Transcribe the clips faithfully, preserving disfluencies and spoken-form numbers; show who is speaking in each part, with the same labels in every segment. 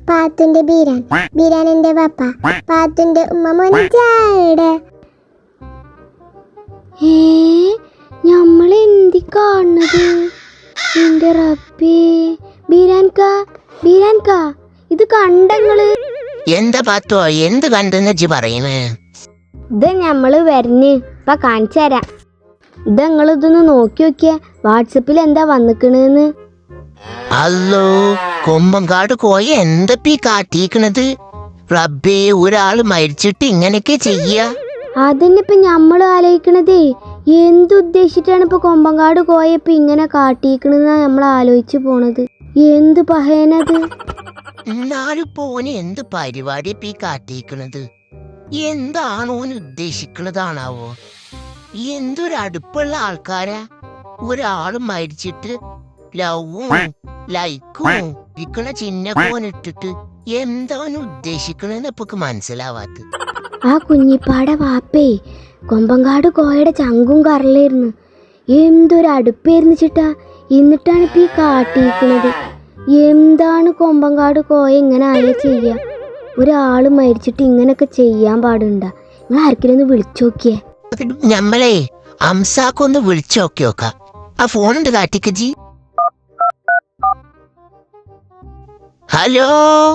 Speaker 1: പാത്തുന്റെ ബീരാൻ, ബീരാനെന്റെ വാപ്പ, പാത്തുന്റെ ഉമ്മ മൊഞ്ചാടെ. ഏ നമ്മൾ എന്തി കാണുന്നത്? എന്റെ റബ്ബേ, ബീരാൻക ബീരാൻക ഇത് കണ്ടങ്ങള്?
Speaker 2: എന്താ പാത്തോ, എന്ത് കണ്ടെന്ന് ഇജ്ജ് പറയണേ?
Speaker 1: ഇത് ഞമ്മള് വരഞ്ഞ് ഇപ്പൊ കാണിച്ചു തരാം. ഇത് നിങ്ങൾ ഇതൊന്ന് നോക്കി നോക്കിയ വാട്സപ്പിൽ എന്താ വന്നിക്കണെന്ന്.
Speaker 2: അല്ലോ, കൊമ്പങ്കാട് കോയ എന്തപ്പീ കാട്ടിക്കണത്? റബ്ബേ, ഒരാള് മരിച്ചിട്ട് ഇങ്ങനെയൊക്കെ ചെയ്യാ?
Speaker 1: അതന്നെ ഇപ്പൊ ഞമ്മള് ആലോചിക്കണതേ. എന്തുദ്ദേശിച്ചിട്ടാണ് ഇപ്പൊ കൊമ്പങ്കാട് കോയപ്പോ ഇങ്ങനെ കാട്ടിക്കണെന്നാ നമ്മൾ ആലോചിച്ചു പോണത്. എന്ത് പഹയനത്?
Speaker 2: എന്നാലും പോന് എന്ത് പരിപാടി ഇപ്പൊ ഈ കാട്ടിക്കണത്? എന്താണോന് ഉദ്ദേശിക്കണതാണാവോ? എന്തൊരു അടുപ്പുള്ള ആൾക്കാരാ. ഒരാള് മരിച്ചിട്ട് ലവും ലൈക്കും ഇരിക്കണ ചിഹ്നക്കോനിട്ടിട്ട് എന്താണ് ഉദ്ദേശിക്കണെന്ന് ഇപ്പൊ മനസ്സിലാവാത്ത.
Speaker 1: ആ കുഞ്ഞിപ്പാടെ വാപ്പേ കൊമ്പങ്കാട് കോയയുടെ ചങ്കും കറലായിരുന്നു. എന്തൊരു അടുപ്പായിരുന്നു ചിട്ടാ. എന്നിട്ടാണ് ഇപ്പൊ ഈ കാട്ടിയിരിക്കണത്. എന്താണ് കൊമ്പങ്കാട് കോയ ഇങ്ങനെ ആയ ചെയ്യാ? ഒരാള് മരിച്ചിട്ട് ഇങ്ങനൊക്കെ ചെയ്യാൻ പാടുണ്ടാ? നിങ്ങൾ ആർക്കെങ്കിലും ഒന്ന് വിളിച്ചു നോക്കിയേ.
Speaker 2: ഞമ്മളെ അംസാക്കൊന്ന് വിളിച്ചു നോക്കി നോക്കാം. ആ ഫോണുണ്ട് കാട്ടിക്ക് ജി. ഹലോ,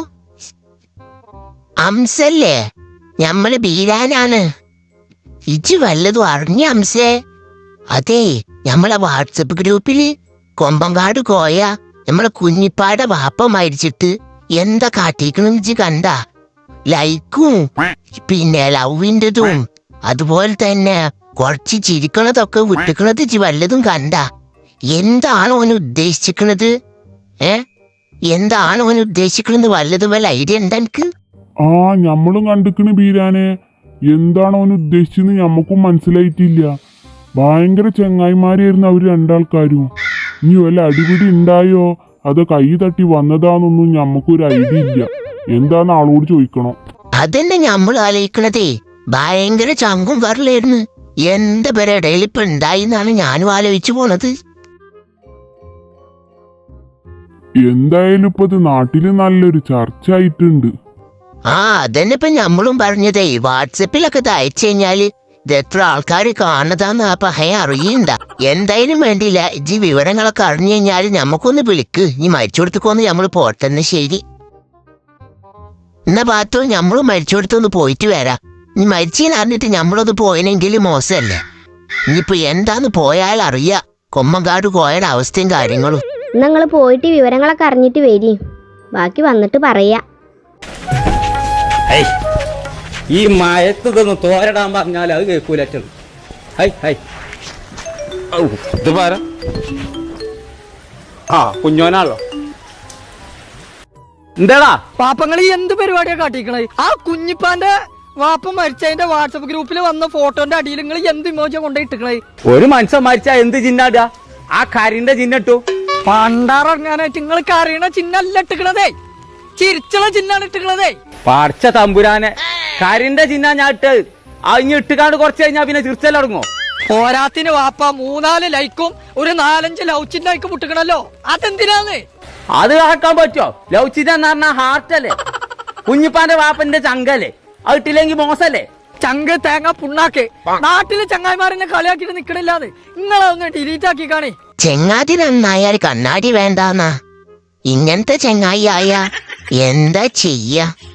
Speaker 2: അംസല്ലേ? ഞമ്മള് ബീരാനാണ്. ഇജ് വല്ലതും അറിഞ്ഞ അംസേ? അതെ, നമ്മളെ വാട്സപ്പ് ഗ്രൂപ്പില് കൊമ്പങ്കാട് കോയ നമ്മളെ കുഞ്ഞിപ്പാടെ വാപ്പ മരിച്ചിട്ട് എന്താ കാട്ടിക്കണെന്ന് ഇജ് കണ്ട? ലൈക്കും പിന്നെ ലവിൻ്റെതും അതുപോലെ തന്നെ കുറച്ച് ചിരിക്കണതൊക്കെ വിട്ടിക്കണത് ഇജ് വല്ലതും കണ്ട? എന്താണ് ഓന് ഉദ്ദേശിക്കണത്? ഏ എന്താണ് ഓന് ഉദ്ദേശിക്കണെന്ന് വല്ലതും വല്ല ഐഡിയ എന്താ എനിക്ക്?
Speaker 3: ആ ഞമ്മളും കണ്ടിക്കണ് ബീരാനെ. എന്താണ് ഓൻ ഉദ്ദേശിച്ചെന്ന് ഞമ്മക്കും മനസ്സിലായിട്ടില്ല. ഭയങ്കര ചെങ്ങായിമാരായിരുന്നു അവര് രണ്ടാൾക്കാരും. ഇനി വല്ല അടിപിടി ഉണ്ടായോ അതോ കൈ തട്ടി വന്നതാന്നൊന്നും ഞമ്മക്കൊരു ഐഡിയ ഇല്ല. എന്താന്ന് ആളോട് ചോദിക്കണം.
Speaker 2: അതന്നെ ഞമ്മൾ ആലോചിക്കണതേ. ഭയങ്കര ചങ്കും വരലായിരുന്നു. എന്താ പേരെ ഇടയിൽ ഇപ്പൊ ഉണ്ടായിന്നാണ് ഞാനും ആലോചിച്ചു പോണത്.
Speaker 3: എന്തായാലും ഇപ്പൊ ഇത് നാട്ടില് നല്ലൊരു ചർച്ച ആയിട്ടുണ്ട്.
Speaker 2: ആ അതന്നെ ഇപ്പൊ ഞമ്മളും പറഞ്ഞതേ. വാട്സപ്പിലൊക്കെ ഇത് അയച്ചു കഴിഞ്ഞാല് ഇത് എത്ര ആൾക്കാര് കാണതാന്ന് ആ പഹയ അറിയണ്ട. എന്തായാലും വേണ്ടിയില്ല, ഇജ്ജ് വിവരങ്ങളൊക്കെ അറിഞ്ഞു കഴിഞ്ഞാല് ഞമ്മക്കൊന്ന് വിളിക്ക്. ഇനി മരിച്ചോടത്തേക്കൊന്ന് ഞമ്മള് പോട്ടെന്ന്. ശരി എന്നാ പാത്തോ, ഞമ്മളും മരിച്ചോടത്തൊന്ന് പോയിട്ട് വരാം. ഇനി മരിച്ചീന്ന് അറിഞ്ഞിട്ട് ഞമ്മളൊന്ന് പോയനെങ്കിൽ മോശമല്ലേ? ഇനിയിപ്പൊ എന്താന്ന് പോയാൽ അറിയാ കൊമ്പങ്കാട് കോയയുടെ അവസ്ഥയും കാര്യങ്ങളും.
Speaker 1: നിങ്ങൾ പോയിട്ട് വിവരങ്ങളൊക്കെ അറിഞ്ഞിട്ട് വരി, ബാക്കി വന്നിട്ട് പറയാ.
Speaker 4: ഈ മയത്ത് ഇതൊന്ന് തോരടാൻ പറഞ്ഞാൽ അത് കേൾക്കൂലറ്റുള്ളൂ. ഹൈ ഹൈ ഇത് പാര. ആ കുഞ്ഞോനാണല്ലോ. എന്താടാ
Speaker 5: പാപ്പങ്ങൾ ഈ എന്ത് പരിപാടിയാ കാട്ടിക്കണേ? ആ കുഞ്ഞിപ്പാന്റെ വാപ്പ മരിച്ചതിന്റെ വാട്സപ്പ് ഗ്രൂപ്പിൽ വന്ന ഫോട്ടോന്റെ അടിയിൽ നിങ്ങൾ എന്ത് ഇമോജിയാ കൊണ്ടുപോയിട്ടിക്കണേ?
Speaker 4: ഒരു മനുഷ്യൻ മരിച്ചാ എന്ത് ചിഹ്നാടാ? ആ കരിന്റെ ചിഹ്നട്ടു.
Speaker 5: പണ്ടാറങ്ങാനായിട്ട് നിങ്ങൾക്ക് അറിയണ ചിഹ്നല്ല ഇട്ടിക്കണതേ, ചിരിച്ചുള്ള ചിഹ്നാണ് ഇട്ടിക്കണതേ.
Speaker 4: പടച്ച തമ്പുരാനെ, കരിന്റെ ചിഹ്ന ഞാൻ ഇട്ട് അഞ്ഞ് ഇട്ടുകാണ്ട് കുറച്ച് കഴിഞ്ഞാ പിന്നെ ചിരിച്ചല്ലടങ്ങോ?
Speaker 5: പോരാത്തിന് വാപ്പ മൂന്നാല് ലൈക്കും ഒരു നാലഞ്ച് ലവ് ചിഹ്നയ്ക്ക് മുട്ടിക്കണല്ലോ, അതെന്തിനാന്ന്?
Speaker 4: അത് ആക്കാൻ പറ്റുമോ? ലവ് ചിഹ്നം എന്ന് പറഞ്ഞാൽ ഹാർട്ടല്ലേ? കുഞ്ഞിപ്പാന്റെ വാപ്പന്റെ ചങ്കല്ലേ? അത് ഇട്ടില്ലെങ്കിൽ മോശല്ലേ?
Speaker 5: ചങ്ക് തേങ്ങ പുണ്ണാക്ക്. നാട്ടില് ചങ്ങായിമാരെന്നെ കളിയാക്കിട്ട് നിക്കണില്ലാന്ന് നിങ്ങളൊന്ന് ഡിലീറ്റ് ആക്കി കാണേ.
Speaker 2: ചെങ്ങാതി നന്നായാൽ കണ്ണാടി വേണ്ടാന്നാ. ഇങ്ങനത്തെ ചെങ്ങായി ആയ എന്താ ചെയ്യാ?